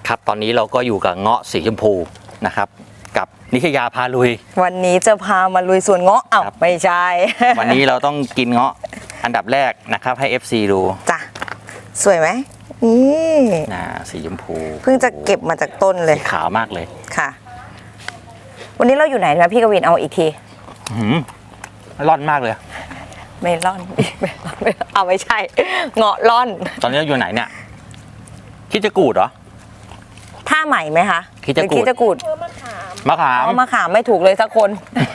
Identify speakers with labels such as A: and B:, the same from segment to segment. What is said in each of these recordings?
A: ครับตอนนี้เราก็อยู่กับเงาะสีชมพูนะครับกับนิชยาพาลุย
B: วันนี้จะพามาลุยสวนเงาะอ้าว
A: ครับ
B: ไม่ใช่
A: วันนี้เราต้องกินเงาะอันดับแรกนะครับให้ FC ดู
B: จ้ะสวยไหมนี่
A: นะสีชมพู
B: เพิ่งจะเก็บมาจากต้นเลย
A: สีขาวมากเลย
B: ค่ะ วันนี้เราอยู่ไหนนะพี่กวินเอาอีกที
A: หืมร่อนมากเลย
B: เมลอน เอาไม่ใช่ เงาะล่อน
A: ตอนนี้เราอยู่ไหนเนี่ยคิดจะกูดเหรอ
B: ท่าใหม่ไหมคะ
A: คิดจะกูด
B: หรือคิดจะกูด
A: มะขาม
B: เอามาขามไม่ถูกเลยสักคน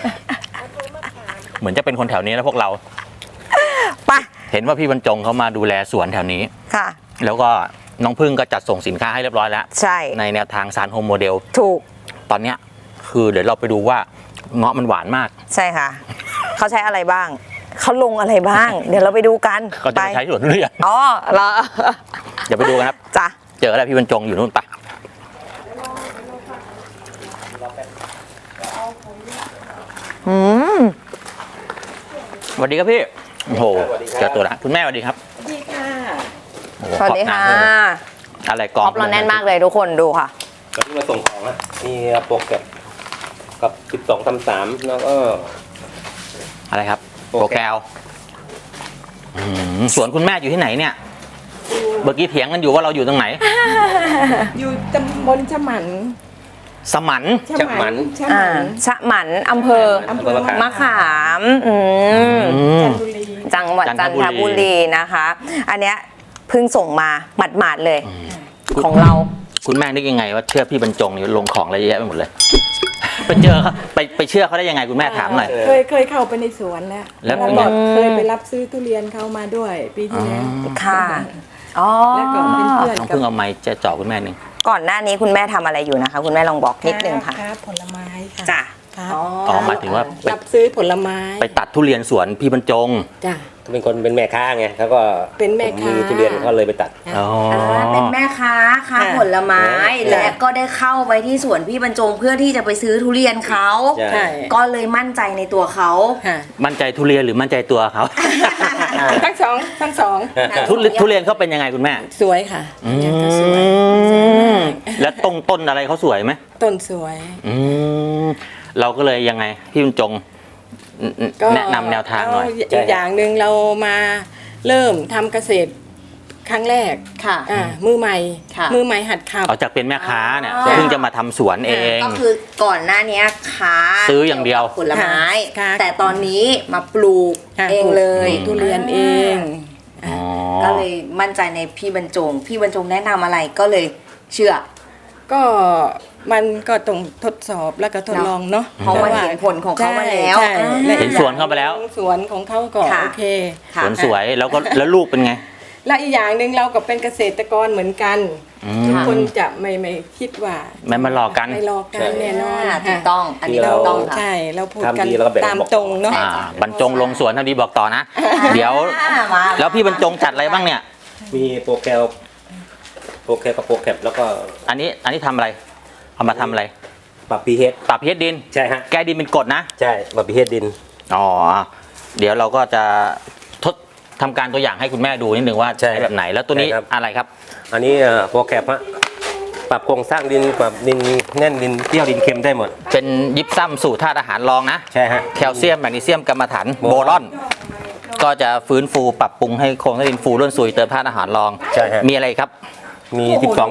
A: เหมือนจะเป็นคนแถวนี้นะพวกเรา
B: ไป
A: เห็นว่าพี่บรรจงเขามาดูแลสวนแถวนี้
B: ค่ะ
A: แล้วก็น้องพึ่งก็จัดส่งสินค้าให้เรียบร้อยแล้ว
B: ใช่
A: ในแนวทางซานโฮมโมเดล
B: ถูก
A: ตอนเนี้ยคือเดี๋ยวเราไปดูว่าเงาะมันหวานมาก
B: ใช่ค่ะ เขาใช้อะไรบ้าง เขาลงอะไรบ้าง เดี๋ยวเราไปดูกัน
A: ก็จะไปใช้สวนทุเรียน
B: อ๋อเหรอ
A: เดี๋ยวไปดูกันครับ
B: จ้ะ
A: เจอแล้วพี่บรรจงอยู่นู่นปะสวัสดีครับพี่โอ้โหเจอตัวละคุณแม่สวัสดีครับ
C: สวัสดีค่ะ
A: โอ้โห
B: สวัสดีค่ะ
A: ขอบณมากอะไรก
B: ท็
A: อง
B: อปเราแน่นมากเลยทุกคนดูค่ะ
D: ก็ที่มาส่งของอะมีโปรแกรมกับ12 33แล้วก็
A: อะไรครับ
D: โปร
A: โปร
D: แก
A: แก
D: ร
A: ร
D: ม
A: มสวนคุณแม่อยู่ที่ไหนเนี่ยเมื่อกี้เถียงกันอยู่ว่าเราอยู่ตรงไหน
C: อยู่ตำบลฉมัน
A: สมัน
D: ฉมัน
C: ฉ
B: อ่า
C: มัน
B: ชะหมันอำเภอ
C: อำเภอ
B: มะขาม
C: จันทบุรี
B: จังหวัดจันทบุรีนะคะ อันเนี้ยเพิ่งส่งมาหมาดๆเลย ของเรา
A: คุณแม่นึกยังไงว่าเชื่อพี่บรรจงนี่ลงของอะไรเยอะแยะไปหมดเลย ไปเจอเขาไปเชื่อเขาได้ยังไงคุณแม่ถามหน่อย
C: เคยเข้าไปในสวนแล้ว
A: แล้วเป็นไง
C: ก็เคยไปรับซื้อทุเรียนเขามาด้วยปีที่แล้ว
B: ค่ะอ๋อ
C: แล้วก็เป็นเพื่อน
A: น้อง
C: กั
A: เพิ่งเอาไม้จะเจาะคุณแม่หนึ่ง
B: ก่อนหน้านี้คุณแม่ทำอะไรอยู่นะคะ คุณแม่ลองบอกนิดนึงค่ะ
C: ค้าผลไม้ค่ะ
B: จ้ะ
C: ค่ะ
A: อ๋อหมายถึงว่าไป
C: รับซื้อผลไม้
A: ไปตัดทุเรียนสวนพี่บรรจง
C: จ้ะ
D: เป็นคนเป็นแม่ค้าไงเขาก็
C: เป็นแม่ค้า
D: ทุเรียนเขาเลยไปตัด
A: อ๋อ
B: เป็นแม่ค้าค้า
C: ค่ะ
B: ผลไม้
C: จ้ะ
B: และก็ได้เข้าไปที่สวนพี่บรรจงเพื่อที่จะไปซื้อทุเรียนเขา
D: ใช่
C: ใช่
B: ก็เลยมั่นใจในตัวเขา
C: ค่ะ
A: มั่นใจทุเรียนหรือมั่นใจตัวเขา
C: ทั้งสอง
A: ทุเรียนเขาเป็นยังไงคุณแม่
C: สวยค่ะยังก็สวย
A: แล้วต้นอะไรเขาสวยไหม
C: ต้นสวย
A: เราก็เลยยังไงพี่บรรจงแนะนำแนวทางหน่อย
C: อีกอย่างหนึ่งเรามาเริ่มทำเกษตรครั้งแรก
B: ค่ะ
C: มือใหม่
B: ค่ะ
C: มือใหม่หัดขับ
A: เอาจากเป็นแม่ค้าเนี่ย
B: อ๋อ
A: เพิ่งจะมาทำสวนเอง
B: ก็คือก่อนหน้านี้ค้า
A: ซื้ออย่างเดียว
B: ผลไม้
C: ค่ะ
B: แต่ตอนนี้มาปลูก
C: ค่ะ
B: เองเลย
C: ทุเรียนเอง
A: อ๋อ
B: ก็เลยมั่นใจในพี่บรรจง พี่บรรจงแนะนำอะไรก็เลยเชื่อ
C: ก็มันก็ต้องทดสอบแล้วก็ทดลองเนาะ
B: เพราะมันเห็นผลของเขามาแล้ว
C: ใช่
B: อ่า
A: เห็นสวนเข้าไปแล้ว
C: สวนของเขาก็
B: ค่ะ
C: โอเค
B: ค่ะ
A: สวนสวยแล้วลูกเป็นไง
C: และอีกอย่างหนึ่งเราก็เป็นเกษตรกรเหมือนกัน ทุกคนจะไม่คิดว่า
A: ไม่มาหลอกกัน
C: ไม่หลอกกันแน่นอน
B: ถูกต้อง อันนี้ถูกต้องค่ะ
C: ใช่เราพูดกัน
D: ทำดีแล้วก็แบ่ง
C: ตาม
D: บอก
C: ตรงเนาะ
A: บรรจงลงสวนทำดีบอกต่อนะ เดี๋ยว
B: มา
A: แล้วพี่บรรจงจัดอะไรบ้างเนี่ย
D: มีโปรแกรมกับโปรแกรมแล้วก็
A: อันนี้ทำอะไรเอามาทำอะไร
D: ปรับพีเฮด
A: ปรับพีเอดิน
D: ใช่ฮะ
A: แก้ดินเป็นกรดนะ
D: ใช่ปรับพีเฮดดิน
A: อ๋อเดี๋ยวเราก็จะทดทำการตัวอย่างให้คุณแม่ดูนิดนึงว่า
D: ใช่
A: ใช้แบบไหนแล้วตัวนี้
D: ใช่ครับ
A: อะไรครับ
D: อันนี้โปรแกรมฮะปรับโครงสร้างดินปรับดินแน่นดินเปรี้ยวดินเค็มได้หมด
A: เป็นยิปซัมสูตรธาตุอาหารรองนะ
D: ใช่ฮะ
A: แคลเซียมแมกนีเซียมกัมมันถัน
D: โบ
A: โบ
D: รอน
A: รอน ก็จะฟื้นฟูปรับปรุงให้โครงสร้างดินฟูร่วนซุยเติมธาตุอาหารรอง
D: ใช่ฮะ
A: มีอะไรครับ
D: มี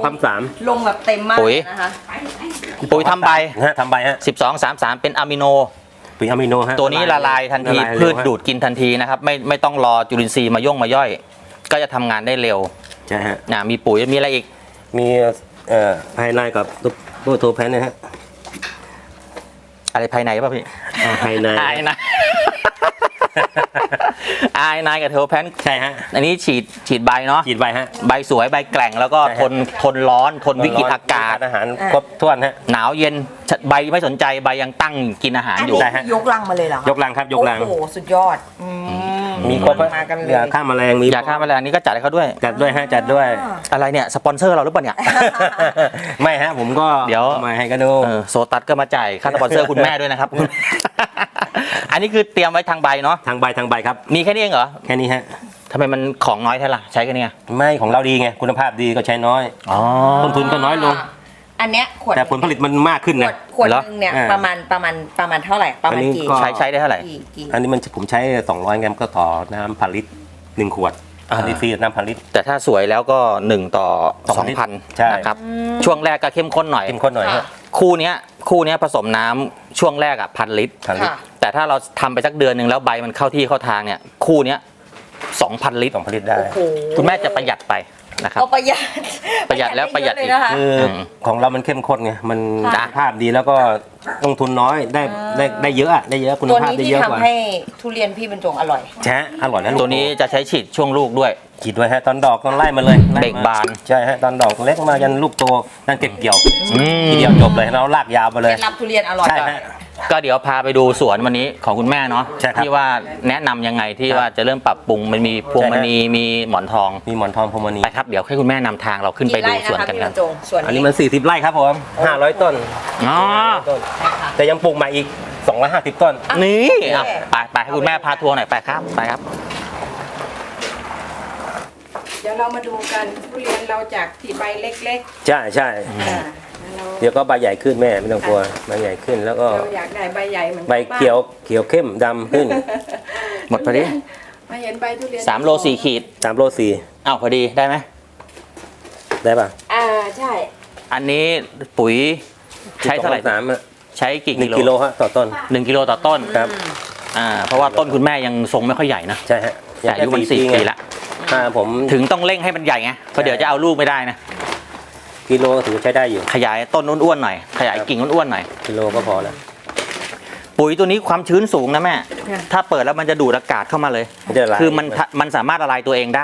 D: 12
B: ลงแบบเต็มมาก
A: ปุ๋ย
B: นะคะ
A: ปุ๋ยทำใบ
D: ฮะทำใบฮะ
A: 1233 เป็นอะมิโน
D: ปุ๋ยอะมิโนฮะ
A: ตัวนี้ละลายทันที
D: ละลายเร็ว
A: พืช
D: ฮะ
A: ดูดกินทันทีนะครับไม่ต้องรอจุลินทรีย์มาย่อย ก็จะทำงานได้เร็ว
D: ใช่ฮะ
A: มีปุ๋ยมีอะไรอีก
D: มีภายในกับตัวโทแพนนะฮะ
A: อะไรภายในป่ะพี่
D: ภายใน
A: ภายใน ไอนายกับเทอร์แพน
D: ใช่ฮะ
A: อันนี้ฉีดใบเนาะ
D: ฉีดใบฮะ
A: ใบสวยใบแกร่งแล้วก็
D: ใช่
A: ท
D: ฮะ
A: ทนร้อนทนวิกฤตอากาศ
D: อาหารครบถ้วนฮะ
A: หนาวเย็นใบไม่สนใจใบยังตั้งกินอาหาร
B: อัน
A: อยู่
B: นี้
D: ได้ฮะ
B: ยกลังมาเลยเหรอคะ
D: ยกลังครับยกลัง
B: โอ้โหสุดยอดม
D: มีครบฮะ
B: มากันเลย
D: ยาฆ่าแมลงมี
A: ยาฆ่าแมลงนี่ก็จัดให้เขาด้วย
D: จัดด้วยฮะจัดด้วย
A: อะไรเนี่ยสปอนเซอร์เราหรือเปล่าเนี่ย
D: ไม่ฮะผมก็
A: เดี๋ยว
D: อามาให้ก็ดู
A: โซตัสก็มาจ่ายค่าสปอนเซอร์คุณแม่ด้วยนะครับ อันนี้คือเตรียมไว้ทางใบเนาะ
D: ทางใบครับ
A: มีแค่นี้เองเหรอ
D: แค่นี้ฮะ
A: ทำไมมันของน้อยแท้ล่ะใช้กันเนี่ย
D: ไม่ของเราดีไงคุณภาพดีก็ใช้น้อย
A: อ๋อ
D: ต้นทุนก็น้อยลง
B: อันเนี้ยขวด
D: แต่ผลผลิตมันมากขึ้น
B: ขว
D: นะ
B: ดขวด
A: เหรอ
B: นึงเนี่ย
D: อ่า
B: ประมาณเท่าไหร่ประมาณ
D: อันนี้
B: กี่
D: ก็
A: ใช้ได้เท่าไหร่
B: กี่
D: อันนี้มันผมใช้200 กรัมก็ต่อน้ำพันลิตร1 ขวด
A: อ่า
D: อันนี้ฟรีน้ำพันลิตร
A: แต่ถ้าสวยแล้วก็1 ต่อ 2,000
D: ใช่
A: นะครับช่วงแรกก็เข้มข้นหน่อย
D: เข้มข้นหน่อยฮะ
A: คู่เนี้ยผสมน้ำช่วงแรกอะ1,000 ลิตร
D: พันลิตร
B: ค่ะ
A: แต่ถ้าเราทำไปสักเดือนหนึ่งแล้วใบมันเข้าที่เข้าทางเนี่ยคู่เนี้ย2,000 ลิตร
D: 2,000 ลิตรได้
B: โอ้โห
A: คุณแม่จะประหยัดไปนะครับ
B: ก็ประหยัด
A: ประหยัดแล้วประหยัดอีก
B: เะนะคะ
D: คือของเรามันเข้มข้นไงมัน
B: ค่ะ
D: คุณภาพดีแล้วก็ลงทุนน้อยได้เยอะอะได้เยอะคุณ
B: ตัว
D: ภาพ
B: นี้
D: ได้
B: ที่
D: เยอะกว่า
B: ทำให้ทุเรียนพี่บรรจงอร่อย
D: แช่อร่อยนะลูก
A: ตัวนี้จะใช้ฉีดช่วงลูกด้วย
D: ฉีดด้วยฮะตอนดอกตอนไล่มาเลยไล่ม
A: เบ่งบาน
D: ใช่ฮะตอนดอกเล็กมายันลูกโตนั่นเก็บเกี่ยว
A: อืม
D: ทีเดียวจบเลยเราลากยาวไป
B: เค
D: เล
B: ล็
D: ย
B: ดลับทุเรียนอร่อย
D: ใช่ฮะ
A: ก็เดี๋ยวพาไปดูสวนวันนี้ของคุณแม่เนาะ
D: ใช่ครับ
A: ที่ว่าแนะนำยังไงที่
D: ครับ
A: ว่าจะเริ่มปรับปรุงมันมีพวง
D: ใช่
A: ม
D: ฮะ
A: ณีมีหมอนทอง
D: มีหมอนทองพรหมณี
A: ไปครับเดี๋ยวให้คุณแม่นำทางเราขึ้นไปดูสวนกัน
B: พี่บ
A: กั
B: ร
A: น
B: รจงส่วน
D: อันนี้
B: นี้
D: มัน40 ไร่ครับผม500 ต้น
A: อ๋อ
D: ต้น แต่ยังปลูกใหม่อีก250 ต้น
A: นี่อ่ะไปให้คุณแม่พาทัวร์หน่อยไปครับไปครับ
C: เดี๋ยวเรามาดูกันทุเรียนเราจากที่ใบเล็ก
D: ใช่ใช่
C: ๆอ่าแล้ว
D: เดี๋ยวก็ใบใหญ่ขึ้นแม่ไม่ต้องกลัวใบใหญ่ขึ้นแล้วก็
C: เราอยากได้ใบใหญ่เหมือน
D: ใบเขียวเข้มดำขึ้น
A: หมดพอดี
C: มาเห็นใบทุเรียน
A: 3 โล 4 ขีด
D: 3 โล
A: อ้าวพอดีได้ไหม
D: 4ได้ป่ะ
C: ใช่
A: อันนี้ปุ๋ยใช้เท่าไหร่
D: 3อะ
A: ใช้กี่
D: 1 กิโลฮะต่อต้น
A: 1 กิโลต่อต้น
D: ครับ
A: เพราะว่าต้นคุณแม่ยังทรงไม่ค่อยใหญ่นะ
D: ใช่ฮะ
A: แต่อายุมัน
D: แค่
A: 4 ปีละ
D: ถ้าผม
A: ถึงต้องเร่งให้มันใหญ่ไงเพราะเดี๋ยวจะเอาลูกไม่ได้นะ
D: กิโลถือใช้ได้อยู่
A: ขยายต้นอ้วนๆหน่อยขยายกิ่งอ้วนๆหน่อย
D: กิโลก็พอแล้ว
A: ปุ๋ยตัวนี้ความชื้นสูงนะแม่ ถ้าเปิดแล้วมันจะดูดอากาศเข้ามาเลย
D: มันจะละลาย
A: คือมันสามารถละลายตัวเองได้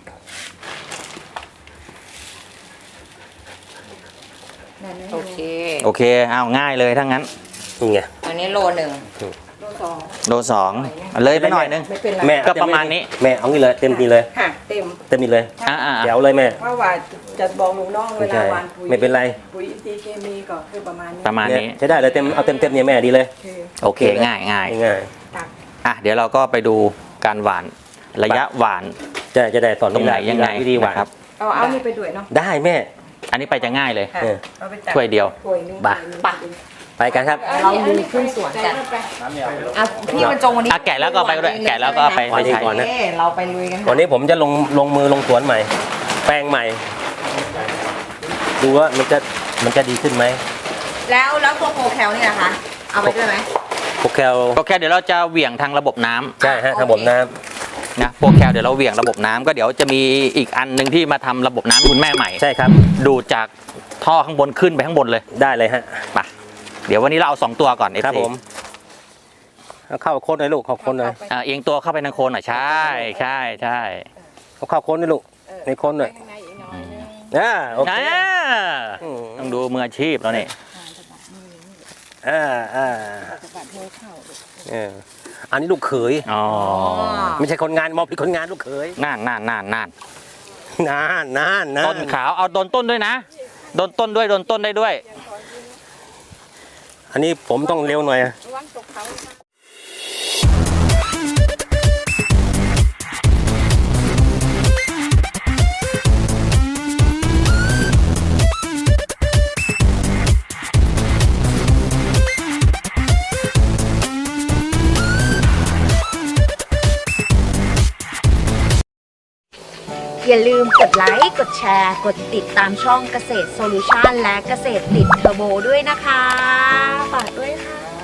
B: โอเค
A: โอเคเอาง่ายเลยถ้างั้น
D: นี่ไง
B: อันนี้โลหนึ่ง
C: โลสอง
A: โลสองเลยไปหน่อยนึง
C: ไม่เป็นไร
D: แม่
A: ก็ประมาณนี้
D: แม่เอางี้เลยเต็มทีเลย
C: ค่ะเต็ม
D: เต็มทีเลย
A: อ่า
D: แจ๋วเลยแม่
C: เพราะว่าจะบอกลูกน้องเว
D: ไม่
C: ลา
D: ใช่
C: หวานปุ๋ย
D: ไม่เป็นไร
C: ปุ๋ยอินทรีย์เคมีก็คือประมาณนี้
A: ประมาณ
D: เนี่ย
A: นี้
D: ใช้ได้เลยเอาเต็มเนี่ยแม่ดีเลย
C: คือ
A: โอเคง่ายง่าย
D: ง่าย
C: ตัก
A: อ่ะเดี๋ยวเราก็ไปดูการหวานระยะหวาน
D: จะได้สอน
A: ตรงไหนยังไง
D: วิธีหวาน
A: นะครับ
C: เอานี่ไปด้วยเนาะ
D: ได้แม่
A: อันนี้ไปจะง่ายเลย
C: ค่ะ
D: เออ
C: เอาไปตัก
A: ถ้วยเดียว
C: ถ้วยนึง
D: บ่า
B: ปะ
D: ไปกันครับ
B: เราดูขึ้นสวนกัน
C: ไป
B: อ่ะพี่บรรจงวันนี้
A: อ่ะแกะแล้วก็ไปด้วยแกะแล้วก็ไป
D: วันนี้
A: ใช้
D: ก่อนนะ
B: เอ้เราไปลุยกัน
D: วันนี้ผมจะลงมือลงสวนใหม่ แปลงใหม่ ดูว่ามันจะดีขึ้นไหม
B: แล้วตัวโปรแคลนี่นะคะ เอาไปด้วยไหม
D: โปรแคล
A: โอเคเดี๋ยวเราจะเหวี่ยงทางระบบน้ำ
D: ใช่ฮะทางบนน้
A: นะโปรแคลเดี๋ยวเราเหวี่ยงระบบน้ำก็เดี๋ยวจะมีอีกอันหนึ่งที่มาทำระบบน้ำให้คุณแม่ใหม่
D: ำใช่ครับ
A: ดูดจากท่อข้างบนขึ้นไปข้างบนเลย
D: ได้เลยฮะ
A: ไปเดี๋ยววันนี้เราเอา2 ตัวก่อน
D: ครับ
A: FC
D: ผมเอาเข้าโค้ดหน่อยลูกเข้าโค้ดหน่อย
A: เอียงตัวเข้าไปทางโคนหน่อยใช่ใช่ใช่
D: เอาเข้าโค้ดหน่อยลูกในโค้ดหน่อย
C: ข้างในอีกหน่อยนึง
D: โอเค
A: อ่า
D: อืม
A: ต้องดูมืออาชีพแล้วนี่
D: อ่า
C: สะบัดมือเข้า
D: เอออันนี้ลูกเขย
A: อ๋อ
D: ไม่ใช่คนงานมอบผิดคนงานลูกเขย
A: น่าน
D: นาน
A: ต้นขาวเอาโดนต้นด้วยนะโดนต้นด้วยโดนต้นได้ด้วย
D: อันนี้ผมต้องเร็วหน่อย
C: ระวังตกเขา
E: อย่าลืมกดไลค์ กดแชร์ กดติดตามช่องเกษตรโซลูชันและเกษตรติดเทอร์โบด้วยนะคะ ฝากด้วยค่ะ